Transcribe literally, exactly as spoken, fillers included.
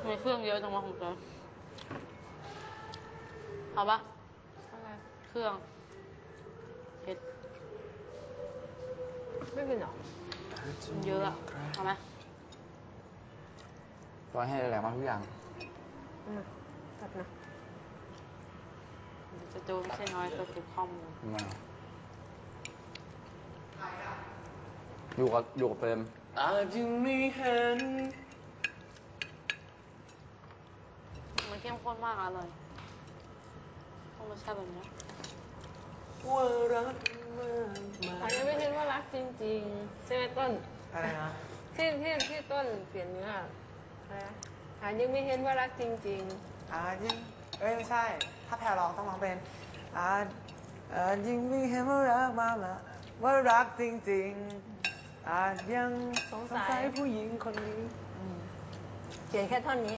มีเครื่องเยอะจังวะของเธอเอาปะอะไรเครื่องเผ็ดไม่กินหรอเยอะอะเอาไหมร้อยให้แรงมากทุกอย่างอืมตัดนะจะดูไม่ใช่น้อยตัวเก็บข้อมูลมาอยู่กับอยู่กับเฟรมอาจยังไม่เห็นมันเข้มข้นมากอร่อยต้องรสชาติแบบนี้ว่ารักมากมาอาจจะไม่เห็นว่ารักจริงๆใช่ไหมต้นอะไรนะที่ที่ที่ต้นเปลี่ยนเนื้ออะไรนะอาจยังไม่เห็นว่ารักจริงๆอาจยังเอ้ยไม่ใช่ถ้าแพรร้องต้องร้องเป็นอาจอาจยังไม่เห็นว่ารักมากมาว่ารักจริงๆอาจยังสงสัยผู้หญิงคนนี้เขียนแค่ท่อนนี้